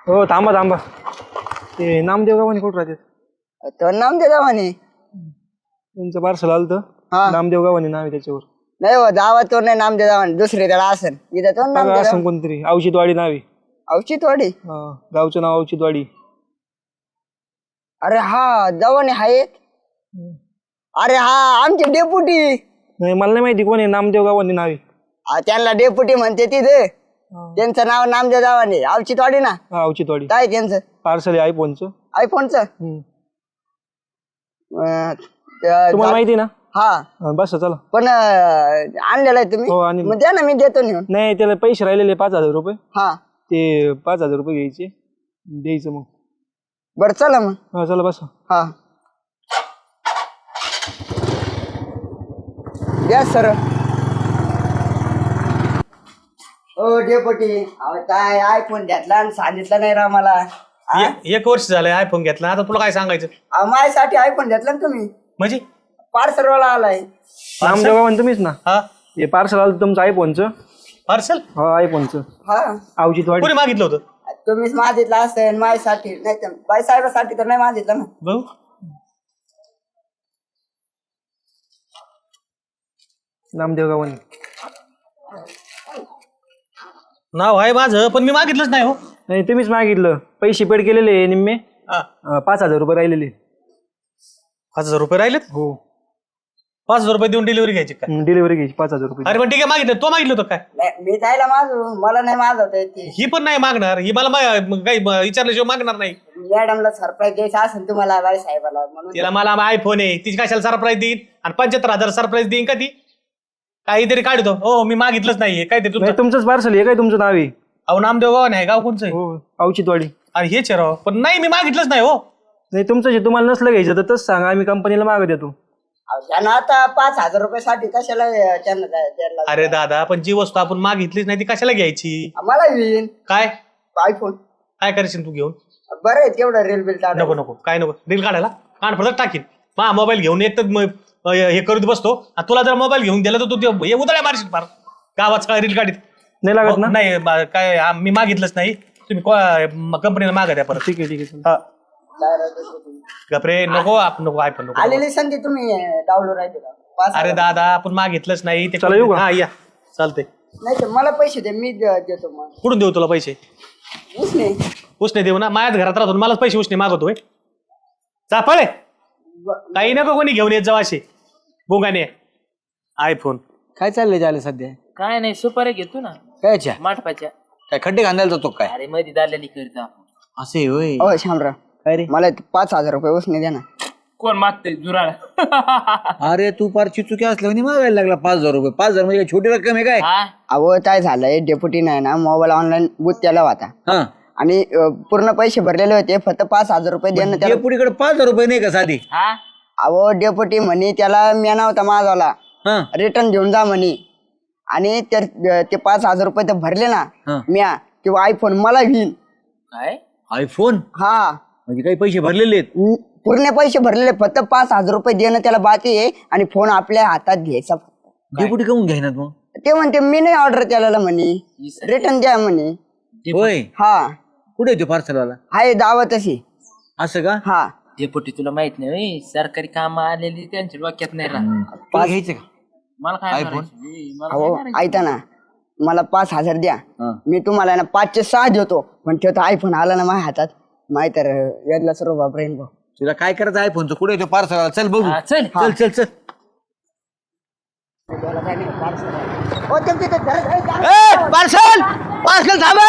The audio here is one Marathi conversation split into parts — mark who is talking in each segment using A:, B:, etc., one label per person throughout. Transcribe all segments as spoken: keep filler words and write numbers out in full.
A: हो थांबा थांबा ते नामदेव गावाने कुठं राहतात
B: तो नामदेव गावाने
A: त्यांचं पार्सल आलं तर
B: हा
A: नामदेव गावाने नाव आहे त्याच्यावर
B: नाही हो दावा तो नाही नामदेव गावाने दुसरे त्याला असन इथं तो
A: बघा,
B: नामदेव
A: असं कोणतरी औषधवाडी नाव आहे
B: औचितवाडी
A: हा, गावचं नाव औषधवाडी.
B: अरे हा जवाने आहेत अरे हा आमचे डेपुटी
A: नाही मला नाही माहिती कोण आहे नामदेव गावाने नाव आहे.
B: हा, त्यांना डेपुटी म्हणते तिथे त्यांचं नाव नामदेव गावाने औचितवाडी ना
A: हा औषधवाडी
B: काय त्यांचं
A: पार्सल आहे आयफोनचं.
B: आयफोनचं
A: हम्म.
B: अं, त्या-
A: तुम्हाला माहिती आहे ना
B: हा
A: हा, बस चला.
B: पण अं, आणलेलं आहे तुम्ही
A: हो आणि
B: मग द्या ना मी देतो नेऊन
A: नाही त्याला पैसे राहिलेले पाच हजार रुपये
B: हा
A: ते पाच हजार रुपये घ्यायचे द्यायचं मग.
B: बरं चला मग
A: हा चला बस.
B: हा द्या सर हो डेपुटी अहो काय आयफोन घेतला आणि सांगितलं नाही राव मला हा?
C: ए- एक वर्ष झालंय आयफोन घेतला आता तुला काय सांगायचं
B: अहो, माझ्यासाठी आयफोन घेतला ना तुम्ही
C: म्हणजे
B: पार्सल वाला आलाय
A: नामदेव गावाने तुम्हीच ना
C: हा
A: हे पार्सल आलं तुमचं आयफोनचं.
C: पार्सल
A: हा आयफोनचं
B: हा
A: औषधवाडी.
C: कोणी मागितलं होतं
B: तुम्हीच मागितलं असेल माझ्यासाठी नाही तर बाईसाहेबासाठी तर नाही मागितलं ना
C: भाऊ
A: नामदेव गावाने
C: नाव आहे माझं पण मी मागितलंच नाही हो
A: नाही तुम्हीच मागितलं पैसे पेड केलेले निम्मे
C: हा.
A: अं, पाच हजार रुपये राहिलेले.
C: पाच हजार रुपये राहिलेत
A: हो
C: पाच हजार रुपये देऊन डिलिव्हरी घ्यायची काय
A: डिलिव्हरी घ्यायची पाच हजार रुपये.
C: अरे पण ठीक आहे मागितलं तो मागितलं होतं काय
B: नाही, मी जायला माझू मला नाही मागवता येते
C: ही पण नाही मागणार ही मला मा- काही ब- विचारल्याशिवाय मागणार नाही
B: मॅडमला सरप्राईज द्यायचं असेल तुम्हाला बाईसाहेबाला म्हणून
C: तिला मला आयफोन आहे तिची कशाला सरप्राईज देईन आणि पंच्याहत्तर हजार सरप्राईज देईन का ती काहीतरी काढतो हो मी मागितलंच नाहीये काय ते तुमचं
A: नाही तुमचंच पार्सल आहे काय तुमचं नाव आहे.
C: अहो नामदेव गाव नाही गाव कोणचं आहे
A: हो औषधवाडी.
C: आणि हेच आहे राव पण नाही मी मागितलंच नाही हो
A: नाही तुमचं जे तुम्हाला नसलं घ्यायचं तर तसं सांगा आम्ही कंपनीला मागत येतो.
B: अहो, त्यांना आता पाच हजार रुपयासाठी कशाला अं, त्यांना द्या- द्यायला लागलं?
C: अरे दादा पण जी वस्तू आपण मागितलीच नाही ती कशाला घ्यायची
B: मला येईन
C: काय
B: आयफोन
C: काय करशील तू घेऊन
B: बरं आहे तेवढं रेल बिल टाका
C: नको नको काय नको रील काढायला काढ फक्त टाकीन मा मोबाईल घेऊन एक तर म- हे करत बसतो आणि तुला जर मोबाईल घेऊन दिला तर तू ते हे उदळ्या मारशील फार गावात सगळ्या रील काढीत
A: नाही लागत ना.
C: नाही बा- काय आ- मी मागितलंच नाही तुम्ही कंपनीला मागा द्या परत
A: ठीक आहे ठीक आहे.
C: हा. गपरे नको आपण नको आयफोन नको
B: आलेली संधी तुम्ही डाउनलोड राहते का पाच
C: अरे
B: हजार.
C: दादा आपण मागितलंच नाही ते
A: चला येऊ का?
C: हा या चालतंय
B: नाही तर मला पैसे दे मी द- देतो मग
C: कुठून देऊ तुला पैसे
B: उसने
C: उसने देऊ ना माझ्याच घरात राहतो मलाच पैसे उसने मागवतोय चापळे काही नको कोणी घेऊन येत जाऊ असे बोंगाने आयफोन
D: काय चाललंय झालं सध्या
E: काय नाही सुपारी घेतो ना
D: कायच्या
E: माठपाच्या
D: काय खड्डे घालायला जातो काय
E: अरे मध्ये दाल्यानी करतो आपण
D: असे होय
B: हो शामराव
D: काय रे
B: मला ते पाच हजार रुपये उसने द्या ना
E: कोण मागतोय जुराळ
D: अरे तू पार चिचुकी असल्याने मागायला लागला पाच हजार रुपये पाच हजार म्हणजे काय छोटी रक्कम आहे काय
E: हा
B: अहो काय झालंय डेप्युटी नाही ना मोबाईल ऑनलाईन बुक केला होता
D: हा
B: आणि अं, पूर्ण पैसे भरलेले होते फक्त पाच हजार रुपये देणं त्याला
D: पुढीकडे पाच हजार रुपये नाही का साधी
E: हा
B: अहो डेप्युटी म्हणे त्याला म्याना होता माझाला
D: हा
B: रिटर्न घेऊन जा म्हणे आणि त्या- ते पाच हजार रुपये तर भरले ना
D: हा.
B: म्या किंवा आयफोन मला घेईन
E: काय
D: आयफोन
B: हा
D: म्हणजे काही पैसे भरलेले आहेत
B: न- पूर्ण पैसे भरलेले फक्त पाच हजार रुपये देणं त्याला बाकी आहे आणि फोन आपल्या हातात घ्यायचा
D: डेपुटी काऊन घेणार मग
B: ते म्हणते मी नाही ऑर्डर केलेला म्हणे रिटर्न द्या म्हणे
D: होय
B: हा
D: कुठे येतो पार्सलवाला
B: आहे दावा तशी
D: असं का
B: हा
E: डेपुटी तुला माहित नाही होय, सरकारी काम आलेली त्यांच्या डोक्यात नाही राहत
D: तुला घ्यायचं का
E: मला काय
D: iPhone?
E: करायचं? ए, मला
B: अहो
E: काय करायचं?
B: ऐका ना मला पाच हजार द्या
D: हा.
B: मी तुम्हाला ना पाचशे सहा देतो पण तो आयफोन आला ना माझ्या हातात माहित तर यातला सर्व बापरेन भाऊ
D: तुला काय करायचं आयफोनचं कुठे येतो पार्सलवाला चल बघू
E: हा, चल
D: चल चल चल
B: हो, ते- ते- ते- धरा- धरा- धरा.
D: पार्सल पार्सल थांब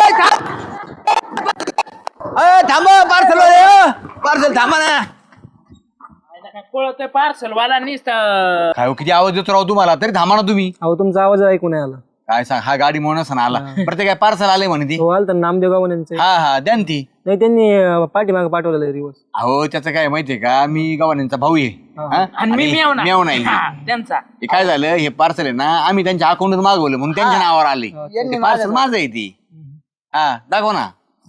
D: थांब पार्सल पार्सल थांबा ना
E: काय पळतोय पार्सल वाला निसता
D: काय हो, किती आवाज देतो राव तुम्हाला तरी थांबा ना तुम्ही
A: अहो तुमचा आवाज ऐकू नाही आला.
D: काय सांग हा गाडी म्हणून असं आला प्रत्येक काय पार्सल आले म्हणे ती
A: हो आलं तर नामदेव गावाने
D: हा हा द्या ना ती
A: नाही त्यांनी पाठीमागे पाठवलेलं रिवर्स.
D: अहो त्याचं काय माहितीये का मी गव्हाण्यांचा भाऊ आहे हा?
E: आणि मी
D: आणि
E: मेव ना
D: मेव नाही
E: हा, त्यांचा
D: हे काय झालं हे पार्सल आहे ना आम्ही त्यांच्या अकाउंटवर मागवलं म्हणून त्यांच्या नावावर आले ते पार्सल माझं आहे ती हा दाखव ना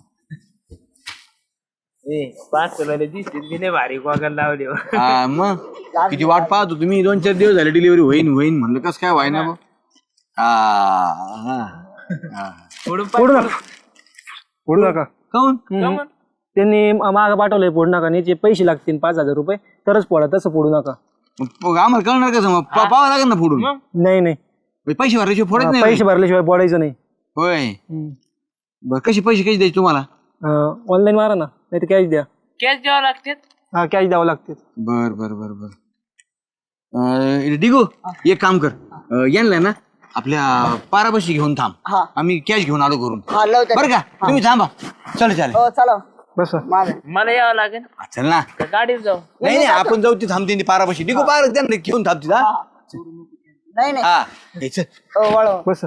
E: ए पार्सल वाले दिसते मी नाही भारी गोगल लावले
D: हा मग किती वाट पाहतो तुम्ही दोन चार दिवस झाले डिलिव्हरी होईन होईन म्हणलं कसं काय व्हाय ना मग हा हा, हा.
A: पुढू नका पुढू नका
D: काऊन
A: हम्म. त्यांनी माग पाठवलंय फोड नका आणि याचे पैसे लागतील पाच हजार रुपये तरच फोडा, तसं फोडू नका.
D: मग आम्हाला कळणार कसं मग पा- पाहावं लागेल ना फोडून
A: नाही नाही
D: म्हणजे पैसे भरायचे फोडत नाही
A: पैसे भरल्याशिवाय फोडायचं नाही.
D: होय बर कसे पैसे कसे द्यायचे तुम्हाला
A: ऑनलाईन मारा ना, नाही तर कॅश द्या.
E: कॅश द्यावं लागते.
A: हा कॅश द्यावं लागते.
D: बर बर बर बर अं, डिगो एक काम कर अं, यांना ना आपल्या पारापाशी घेऊन थांब
B: हा.
D: आम्ही कॅश घेऊन आलो करून
B: हा लावते.
D: बरं का तुम्ही थांबा चल चालेल
B: हो चला
A: बस
B: माझं
E: मला यावं लागेल
D: हा, चल ना
E: का गाडीत जाऊ.
D: नाही नाही आपण जाऊ ती थांबते ती पारापाशी डिगो पार त्यांना घेऊन थांबते हा
B: नाही नाही
D: हा हे चल.
B: हो वळव.
A: बस.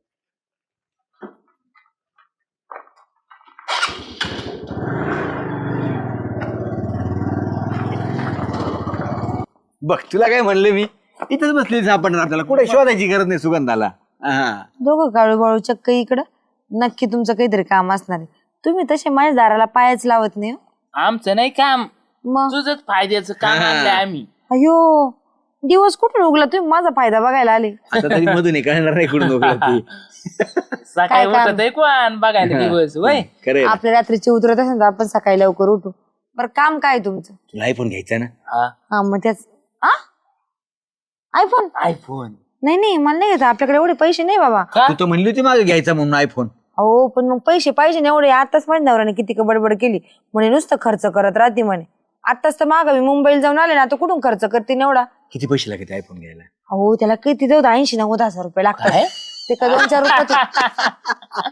D: बघ तुला काय म्हणले मी इथंच बसली सापडणार आपल्याला कुठे शोधायची गरज नाही सुगंधाला हा
F: दोघं काळू बाळू चक्क इकडं नक्की तुमचं काहीतरी काम असणार आहे. तुम्ही तसे माझ्या दाराला पायच लावत नाही हो.
E: आमचं नाही काम,
F: मग
E: तुझंच फायद्याचं काम आणलंय आम्ही.
F: अयो दिवस कुठून उगला, तुम्ही माझा फायदा बघायला आले.
D: आता तरी मधून हे कळणार नाही कुठून उकळत ती.
E: सकाळी
F: काय काम?
E: उठत आहे कोण बघायला दिवस वय.
D: खरंय ना.
F: आपल्या रात्रीची उतरत असेल तर आपण सकाळी लवकर उठू. बरं काम काय तुमचं?
D: तुला आयफोन घ्यायचा ना
F: हा मग त्याच आयफोन
E: आयफोन
F: नाही नाही मला नाही घेत, आपल्याकडे एवढे पैसे नाही बाबा.
D: तू तर म्हणली होती मागे घ्यायचा म्हणून आयफोन
F: हो पण मग पैसे पाहिजे ना एवढे. आताच माझ्या नवऱ्याने किती का बडबड केली म्हणे नुसतं खर्च करत राहते म्हणे. आताच तर माग मी मुंबईला जाऊन आले ना, आता कुठून खर्च करते एवढा.
D: किती पैसे लागते आयफोन घ्यायला
F: हो त्याला किती देऊ ऐंशी नव्वद हजार रुपये लागतात. ते का दोन चार रुपये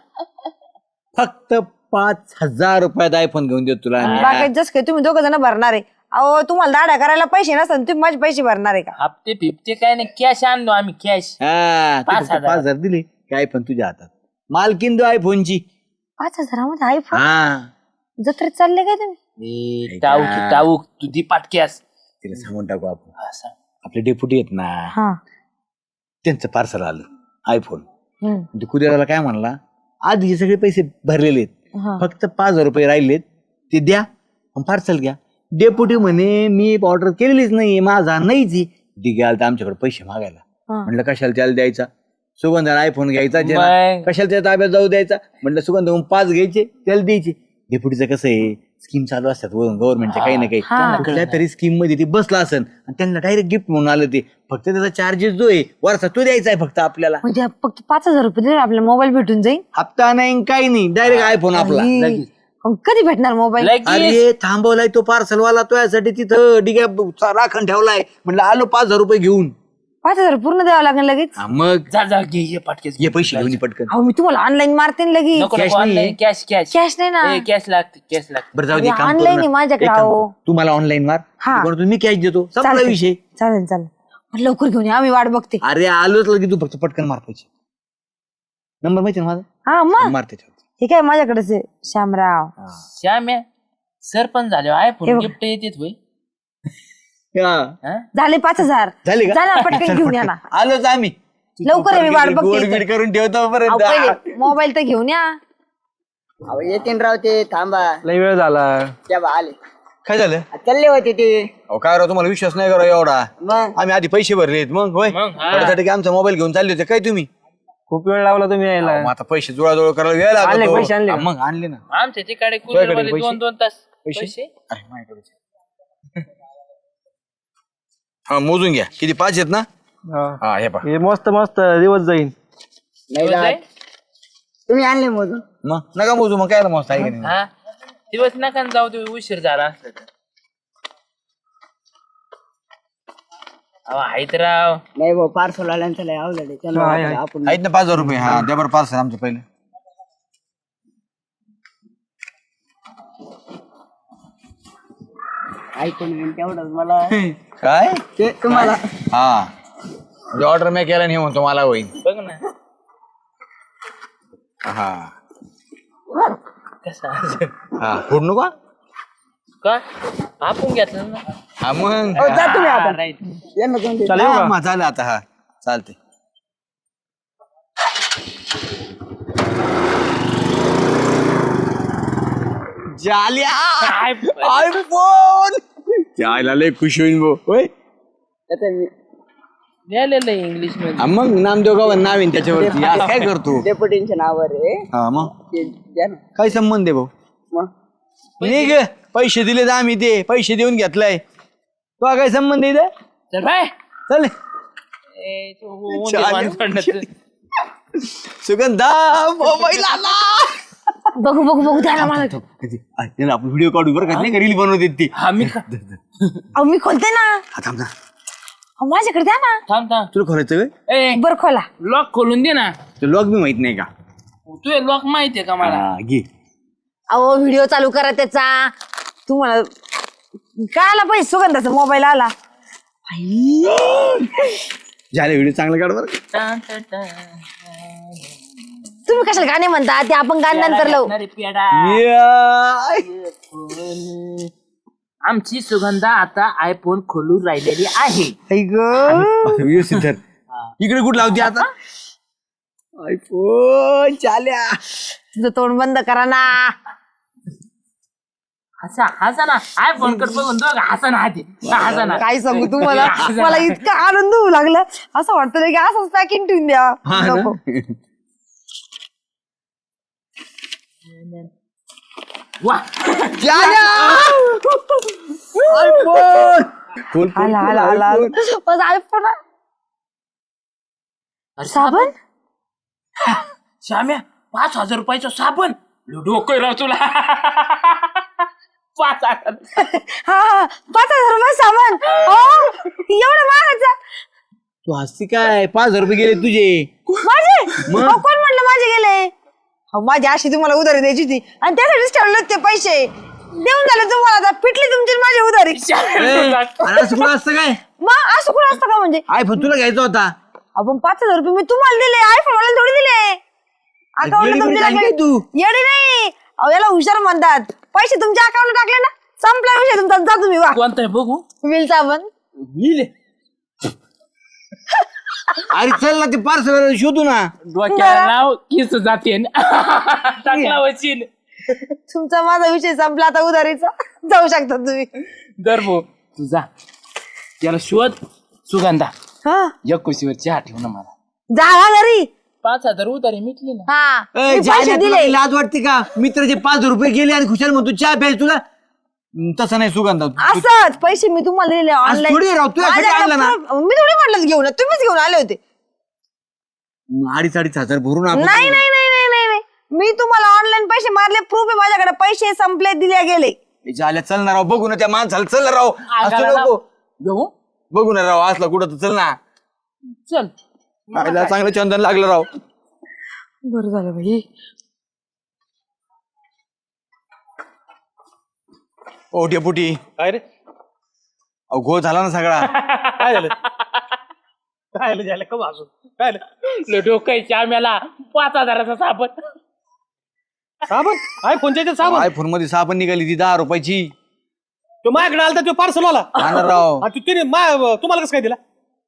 D: फक्त पाच हजार रुपयात आयफोन घेऊन देतो तुला आम्ही.
F: बाकी जस काय तुम्ही दोघं जण भरणार आहे. अहो तुम्हाला दाड्या करायला पैसे नसतात, तुम्ही माझे पैसे भरणार आहे का?
E: हप्ते फिफ्ते काय नाही, कॅश आणलो आम्ही कॅश.
D: हा तू
E: पाच
D: फक्त
E: हजार.
D: पाच हजार दिले काय आयफोन तुझ्या हातात मालकीन दो आयफोनची
F: पाच हजारामध्ये आयफोन
D: हा
F: जत्रेत चालले काय तुम्ही?
E: टाऊक टाऊक तुझी पाटक्यास
D: तिला सांगून टाकू आपण आपले डेप्युटी आहेत ना
F: हा
D: त्यांचं पार्सल आलं आयफोन
F: हम्म.
D: कुरिअरला काय म्हणला आधी हे सगळे पैसे भरलेले आहेत
F: हा.
D: फक्त पाच हजार रुपये राहिलेत ते द्या पार्सल घ्या. डेप्युटी म्हणे मी ऑर्डर केलेलीच नाही माझा नाहीच घ्याल तर आमच्याकडे पैसे मागायला.
F: हा.
D: म्हणलं कशाला त्याला द्यायचा सुगंधाला आयफोन घ्यायचा ज्याला.
E: मग?
D: कशाला त्याच्या ताब्यात जाऊ द्यायचा म्हणलं सुगंध पाच घ्यायचे त्याला द्यायचे. डेप्युटीचं कसं आहे स्कीम चालू असतात गव्हर्नमेंटच्या काही ना काही
F: हा.
D: कुठल्या तरी स्कीम मध्ये ती बसला असेल आणि त्यांना डायरेक्ट गिफ्ट म्हणून आलं ते फक्त त्याचा चार्जेस जो आहे वरचा तो द्यायचा आहे फक्त आपल्याला.
F: म्हणजे फक्त पाच हजार रुपये दिले आपल्याला मोबाईल भेटून जाईल.
D: हप्ता नाही काही नाही डायरेक्ट आयफोन आपला.
F: अरे, मग कधी भेटणार मोबाईल?
E: लगेच
D: अरे थांबवलाय तो पार्सल वाला तो यासाठी तिथं डिग्या राखण ठेवलाय म्हणलं आलो पाच हजार रुपये घेऊन.
F: पाच हजार पूर्ण द्यावं लागेल लगेच.
D: हा, मग
E: जा जा घे ये पाटक्यास
D: ये पैसे घेऊन ये पटकन.
F: अहो मी तुम्हाला ऑनलाईन मारते ना लगेच.
E: नको
D: cash
E: नको
D: नाहीये.
E: ऑनलाईन कॅश कॅश
F: कॅश नाही ना.
E: कॅश लागते कॅश लागते.
D: बरं जाऊ दे
F: अरे,
D: काम करू
F: online
D: ना.
F: आहे माझ्याकडे,
D: एक काम
F: अहो.
D: कर. तू मला ऑनलाईन मार
F: हा.
D: पण मी कॅश देतो संपला
F: चालतंय.
D: विषय.
F: चालेल चालेल मग लवकर घेऊन या, आम्ही वाट बघते.
D: अरे आलोच लगे तू फक्त पटकन मार पैसे. नंबर माहिती ना माझा
F: हा मग
D: मार त्याच्यावर.
F: ठीक आहे माझ्याकडेच आहे श्यामराव.
E: श्याम्या सरपंच झाले
F: हे
E: आयफोन
F: बघ.
E: गिफ्ट येते होय.
D: हा.
E: हा?
F: झाले पाच हजार.
D: झाले का
F: झाला पटकन घेऊन या ना.
D: आलोच आम्ही
F: लवकर आहे, मी वाट
D: गोड
F: बघते
D: बीड
F: इथं.
D: करून ठेवतो
F: अहो,
D: पर्यंत.
F: पहिले मोबाईल तर घेऊन या.
B: अहो येतीन राव ते थांबा
A: लय वेळ झाला.
B: त्या बा आले
D: काय झालं
B: चालले होते ते
D: अहो काय राव तुम्हाला विश्वास नाही करा एवढा.
B: मग
D: आम्ही आधी पैसे भरलेत मग होय
E: मग, हा.
D: त्यासाठी की आमचा मोबाईल घेऊन चालले होते काय तुम्ही.
A: खूप वेळ लावला तुम्ही यायला.
D: मग आता पैसे जुळाजुळ करायला वेळ
A: आणले
D: लागतो.
A: पैसे आणले का?
D: हा, मग आणले ना
E: आमच्या तिकडे
D: तुझ्याकडे
E: कुरिअरवाले
D: पैसे?
E: दोन दोन तास
D: पैसे?
E: पैसे
D: अरे माझ्याकडे हा मोजून घ्या किती पाच आहेत ना.
A: हा.
D: हा हे पा
A: हे मस्त मस्त दिवस जाईल.
B: नाही
E: दिवस
B: जात.
E: आहे?
B: तुम्ही आणले मधून
D: मग नका मोजू मग काय मस्त आहे का नाही.
E: हा दिवस नका न जाऊ दे उशीर झाला असलं तर. अहो आहेत राव.
B: नाही भाऊ पार्सल आल्यांचं लय आवडलं
A: हा, आहे,
B: त्यांना
A: आहे.
B: आपण
D: आहेत ना पाच हजार रुपये हा द्या बरं पार्सल आमचं पहिले.
B: ऐकून तेवढं मला
D: काय
B: ते तुम्हाला
D: हा म्हणजे ऑर्डर मी केला नाही म्हणतो मला होईल.
E: बघ ना
D: हा
E: कसा
D: हा फोडू नका.
E: का आपण घेतलं ना.
D: हा मग
B: हो, जा तुम्ही
E: हा,
B: आपण
E: right.
B: यांना दोन दे.
A: चालेल येऊ
D: हा,
A: का?
D: मग झालं आता हा चालते. जाल्या आयफोन जायला लय खुश होईन भो होय.
B: आता मी
E: लिहिलेलं आहे इंग्लिश मध्ये.
D: हा, मग नामदेव गावात नाव आहे त्याच्यावरती आज काय करतो.
B: डेप्युटींच्या नावावर आहे
D: हा मग
B: ते द्या ना
D: काय संबंध आहे भाऊ. निघ पैसे दिले तर आम्ही ते पैसे देऊन घेतलाय तो काय संबंध आहे इथं?
E: चल बाय
D: चल
E: ए, तो उंदीर
D: चालेल.
E: माणूस पडण्याचं.
D: सुगंधा मोबाईल आला
F: बघू बघू बघू द्या ना मला.
D: आपण व्हिडिओ काढू बरं का नाही का रील बनवते ती
E: हा मी का-
F: अहो मी खोलते ना.
D: हा, थांब ना
F: अहो, माझ्याकडे द्या ना.
E: थांब थांब
D: तुला खोलायचं काय
E: ए
F: बर खोला.
E: लॉक खोलून दे ना.
D: ते लॉक बी माहित नाही का
E: तू लॉक माहितीये का मला?
D: हा, घे
F: अहो व्हिडिओ चालू करा त्याचा. तुम्हाला काय आला पाहिजे सुगंधाचा मोबाईल आला.
D: झाले व्हिडिओ चांगला काढ बरं
E: टान, टान, टान.
F: तुम्ही कशाला गाणे म्हणता ते आपण गाणं नंतर लावू.
E: अरे पेडा.
D: या.
E: आमची सुगंधा आता आयफोन खोलून राहिलेली आहे.
F: ऐक
D: व्यवस्थित धर. इकडे कुठं लावते आता आयफोन चाल्या
F: तुझं तोंड बंद करा ना.
E: हसा हसा ना आयफोन कर बघून दोघ हसा ना आधी हसा ना.
F: काय सांगू तुम्हाला मला इतका आनंद होऊ लागला असं वाटतं की असंच पॅकिंग ठेवून द्या.
D: हा ना?
F: नको.
E: वा
D: आयफोन खोल, खोल,
F: आला
D: खोल,
F: आला आला
D: आयफोन.
F: बस आयफोन
E: अरे
F: साबण.
E: श्याम्या पाच हजार रुपयाचा साबण डोकं राव तुला. पाच हजार
F: हा हा पाच हजार रुपये साबण. हो एवढं महागाचा.
D: तू हसती काय पाच हजार रुपये गेले तुझे
F: माझे अहो, कोण म्हणलं माझे गेले. अहो, माझी अशी तुम्हाला उधारी द्यायची होती आणि त्यासाठीच ठेवले ते पैसे देऊन झाले तुम्हाला. आता पिटली तुमची आणि माझी उधारी.
D: ए, अरे असं कुठं असतं काय
F: मग असं कुठं असतं का म्हणजे.
D: आयफोन तुला घ्यायचा होता
F: आपण पाच हजार रुपये मी तुम्हाला दिले आयफोन वाला थोडी दिले. अकाउंट
D: येडी
F: तुमच्या
D: बिडी काय तू?
F: येडी नाही. अहो याला हुशार म्हणतात. पैसे तुमच्या अकाउंटला टाकले ना संपला विषय तुमचा. जा तुम्ही वा.
E: कोणतं आहे बघू?
F: विल साबण.
D: अरे चल ना ते पार्सल शोधू ना
E: डोक्याला नाव किस जाते टाकला वचीन.
F: तुमचा माझा विषय संपला आता उधारीचा. जाऊ शकता तुम्ही.
E: दर भाऊ तू जा त्याला शोध. सुगंधा
F: हा
E: एकोशीवर चहा ठेव ना मला.
F: जा घरी.
E: पाच हजार उधारी मिटली ना.
F: हा
D: ए,
F: मी
D: जायला
F: पैसे
D: तुला
F: दिले.
D: काही लाज वाटते का मित्राचे पाच रुपये गेले आणि खुशाल म्हणतो चहा प्यायला तुला हम्म, तसं नाही सुगंधा तू-
F: असंच पैसे मी तुम्हाला दिले
D: आज थोडी राव, तुझ्यासाठी आणलं ना.
F: मी थोडी म्हटलं घेऊन या. तुम्हीच घेऊन आले होते.
D: अडीच अडीच हजार भरून आपण
F: नाही नाही नाही नाही नाही नाही. मी तुम्हाला ऑनलाईन पैसे मारले. प्रूफ आहे माझ्याकडे. पैसे संपले दिले गेले.
D: झाल्या चल ना राव बघू ना त्या माणसाला चल ना राव असं नको
E: घेऊ
D: बघू ना राव असला कुठं तर चल ना
E: चल.
D: खायला चांगलं चंदन लागलं राव
F: बरं झालं भाई.
D: ओ डेपुटी
C: काय रे
D: अहो घोळ झाला ना सगळा
C: काय झालं काय झालं झालं का वाजून काय झालं
E: डोकायच्या आम्हाला पाच हजाराचा साबण.
C: साबण आयफोनच्या इथे साबण
D: आयफोन मध्ये साबण निघाली ती दहा रुपयाची
C: तो माझ्याकडे आला तो पार्सल वाला
D: हा ना राव
C: आणि तिने मा- तुम्हाला कसं काय दिला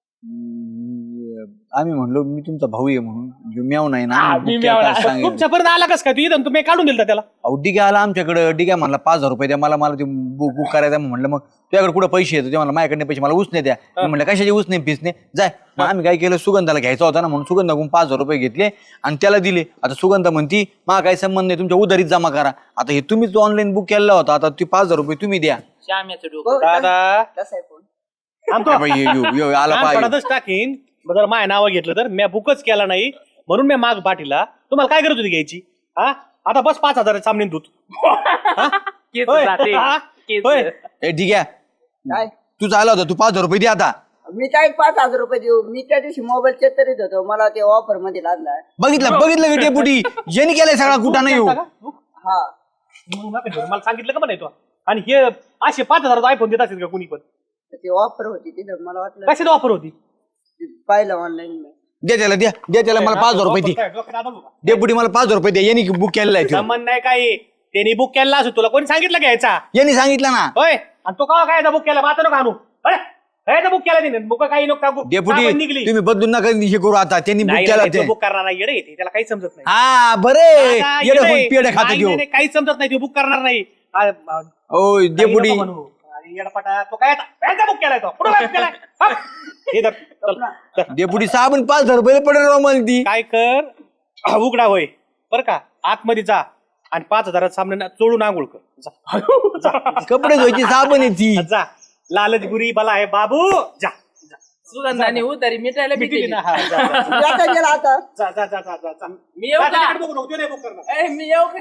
D: आम्ही म्हणलो मी तुमचा भाऊ आहे म्हणून जो म्याव नाही ना
E: हा,
D: आम्ही
E: मी
D: बुक्या
E: म्यावला.
D: काय सांगेल.
C: तुमच्यापर्यंत आला कसं काय तू इथं तुम्ही काढून दिलता त्याला
D: अहो डिग्या आला आमच्याकडे डिग्या म्हणला पाच हजार रुपये द्या मला मला ते बुक बुक करायचं म्हणलं मग तुझ्याकडे कुठं पैसे येतो ते म्हणलं माझ्याकडे पैसे मला उसने द्या मी म्हणलं कशाचे उसने पिसने जाय मग आम्ही काय केलं सुगंधाला घ्यायचा होता ना म्हणून सुगंधाकडून पाच हजार रुपये घेतले आणि त्याला दिले आता सुगंधा म्हणती मला काही संबंध नाही तुमच्या उधारीत जमा करा आता हे तुम्हीच ऑनलाईन बुक केलेला होता आता ते पाच हजार रुपये तुम्ही द्या
E: श्याम्याचं डोकं.
C: दादा
B: तसा आहे फोन.
C: थांबतो.
D: बाई, ये- यो- यो- आला
C: कान
D: पाहिजे
C: पडतच टाकीन मग जर माझ्या नावं घेतलं तर मी बुकच केला नाही म्हणून मी माग पाठीला तुम्हाला काय करत होती घ्यायची हा आता बस पाच हजार सामने दूध
E: केस
C: होय.
E: जाते.
C: हा?
E: केस.
D: ए ठीक आहे
B: काय
D: तू चालला होता तू पाच हजार रुपये दे आता
B: मी काय पाच हजार रुपये देऊ. मी त्या दिवशी मोबाईल चेक करीत होतो. मला ते ऑफर मध्ये लागला.
D: बघितलं बघितलं का डेपुटी यांनी केलाय सगळा कुठं नाही येऊ
B: हा
C: मग नका घेऊ. मला सांगितलं का म्हणायचो आणि हे असे पाच हजार आयफोन देत असेल का कुणी पण
B: ते ऑफर होती तिथं. मला वाटलं
C: कशाची ऑफर होती
B: पाहिलं ऑनलाईन.
D: द्या त्याला द्या द्या त्याला मला पाच हजार रुपये दे डेपुटी मला पाच हजार रुपये द्या यांनी बुक केलेला आहे तो.
C: संबंध नाही काही त्यांनी बुक केला असो तुला कोणी सांगितलं घ्यायचा
D: यांनी सांगितलं ना
C: होय आणि तो का काय बुक केला आता नको आणू काय बुक केला तिने बुक काही नको
D: डेपुटी
C: निघली
D: तुम्ही बदलून नका हे करू आता त्यांनी बुक केला ते
C: बुक करणार नाही येडे येते त्याला काही समजत नाही
D: हा बरे
C: आता
D: येडे
C: येडे.
D: होऊन पेढे खाते
C: नाही,
D: घेऊ
C: नाही, नाही, काही समजत नाही तो बुक करणार नाही आ- आ-
D: ओ
C: काही
D: डेपुटी
C: नको म्हणू. अरे येडपाटा, तो काय बुक केलाय तो कुठं बुक केलाय हा? हे धर, चल, धर.
D: डेपुटी साबण पाच हजार रुपये पडेल राव मला ती
C: काय कर हा, उघडा होय बर का आतमध्ये जा आणि पाच हजारात सामने चोळून आंघोळ कर जा. जा.
D: कपडे धुवायची साबण आहे ती.
C: जा लालच गुरी बला आहे बाबू जा
E: सुगंधाने उतारी मिटायला
C: मिटली
E: भेटली
C: ना हा जा, जा.
B: आता गेला आता
C: जा जा जा जा जा जा.
E: मी येऊ
C: जा,
E: का
C: तिकीट बघू नको, ते नाही book करणार.
E: ए, मी येऊ का